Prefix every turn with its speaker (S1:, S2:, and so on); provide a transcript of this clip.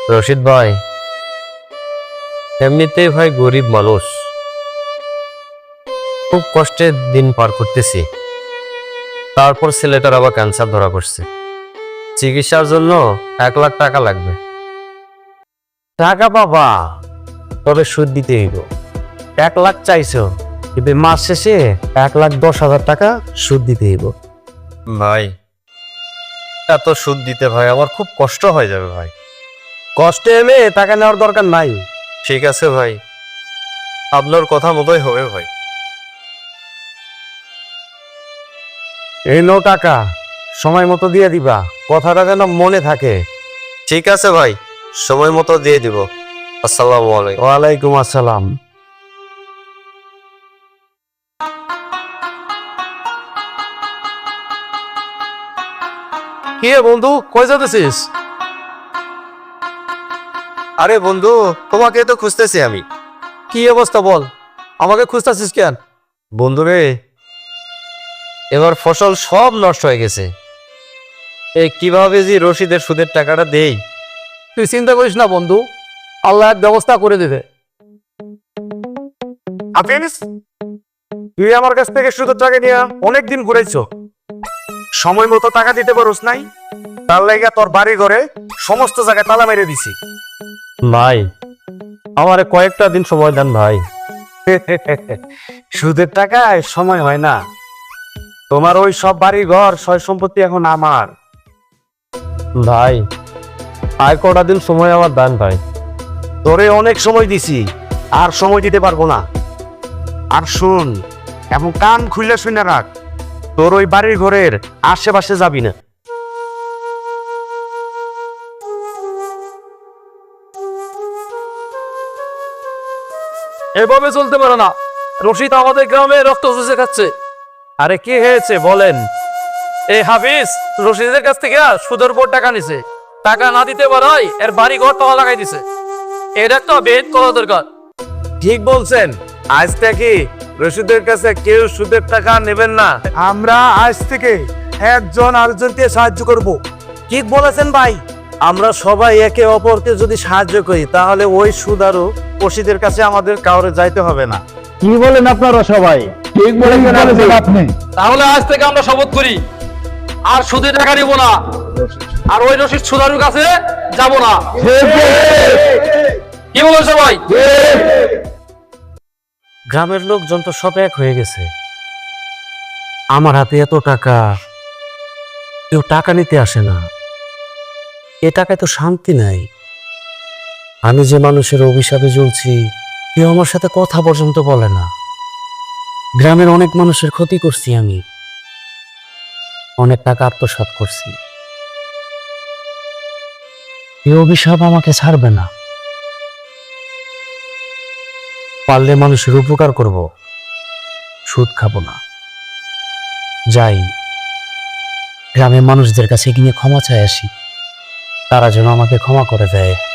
S1: রশিদ ভাই, এমনিতেই ভাই গরিব মানুষ, খুব কষ্টে দিন পার করতেছি। তারপর ছেলেটার আবার ক্যান্সার ধরা পড়ছে, চিকিৎসার জন্য 1 লাখ টাকা লাগবে।
S2: টাকা বাবা, তবে সুদ দিতে হইব। 1 লাখ চাইছো, কিন্তু মাস শেষে 1,10,000 টাকা সুদ দিতে হইব।
S1: ভাই, এত সুদ দিতে ভাই আমার খুব কষ্ট হয়ে যাবে ভাই।
S2: কষ্টে এলে টাকা নেওয়ার দরকার নাই।
S1: ঠিক আছে ভাই, আপনার কথা মতোই হবে ভাই।
S2: এই নো টাকা, সময় মতো দিয়ে দিবা, কথাটা যেন মনে থাকে।
S1: ঠিক আছে ভাই, সময় মতো দিয়ে দিব। আসসালামু আলাইকুম।
S2: ওয়ালাইকুম আসসালাম। কি বন্ধু, কই যাচ্ছিস?
S1: আরে বন্ধু, তোমাকে তো খুঁজতেছি আমি।
S2: কি অবস্থা বল, আমাকে খুঁজতেছিস কেন?
S1: বন্ধু রে, এবার ফসল সব নষ্ট হয়ে গেছে। কিভাবে যে রশিদের সুদের টাকাটা দেই।
S2: তুই চিন্তা করিস না বন্ধু, আল্লাহ এক ব্যবস্থা করে দেবে। হাফিজ, তুই আমার কাছ থেকে সুদের টাকা নিয়ে অনেকদিন ঘুরেছ, সময় মতো টাকা দিতে পারোস নাই, তার লাগা তোর বাড়ি ঘরে সমস্ত জায়গায় তালা মেরে দিছি।
S1: ভাই, আমারে কয়েকটা দিন সময় দেন ভাই।
S2: সুদের টাকায় সময় হয় না। তোমার ওই সব বাড়ি ঘর সয় সম্পত্তি এখন আমার।
S1: ভাই, আর কটা দিন সময় আমার দেন ভাই।
S2: তোরে অনেক সময় দিছি, আর সময় দিতে পারবো না। আর শুন, এবং কান খুলে শুনে রাখ, তোর ওই বাড়ির ঘরের আশেপাশে যাবি না। এভাবে চলতে পারে না। রশিদ আমাদের গ্রামে রক্ত চুষে খাচ্ছে। আরে কি হয়েছে বলেন? এই হাফিজ রশিদের কাছ থেকে সুদের উপর টাকা নিছে, টাকা না দিতে পারাই এর বাড়ি ঘর তালা লাগাই দিছে। এটা তো বেদ করা দরকার। ঠিক বলছেন, আজ থেকে রশিদের কাছে কেউ সুদের টাকা নেবেন না। আমরা আজ থেকে একজন আরেকজনকে সাহায্য করব। ঠিক বলেছেন ভাই। আমরা সবাই একে অপরকে যদি সাহায্য করি, তাহলে ওই সুদ আরো রশিদের কাছে আমাদের কাউরে যাইতে হবে না।
S3: কি বলেন আপনারা সবাই? ঠিক বলেছেন আপনি।
S4: তাহলে আজ থেকে আমরা শপথ করি, আর সুদের টাকা নিব না, আর ওই রশিদ সুদারুর কাছে যাব না। কি বলেন সবাই?
S2: গ্রামের লোকজন তো সব এক হয়ে গেছে। আমার হাতে এত টাকা, কেউ টাকা নিতে আসে না। এ টাকায় তো শান্তি নাই। আমি যে মানুষের অভিশাপে জ্বলছি, কেউ আমার সাথে কথা পর্যন্ত বলে না। গ্রামের অনেক মানুষের ক্ষতি করছি আমি, অনেক টাকা আত্মসাৎ করছি। এই অভিশাপ আমাকে ছাড়বে না। পারলে মানুষের উপকার করব, সুদ খাবো না। যাই, গ্রামের মানুষদের কাছে গিয়ে ক্ষমা চাই আসি, তারা যেন আমাকে ক্ষমা করে দেয়।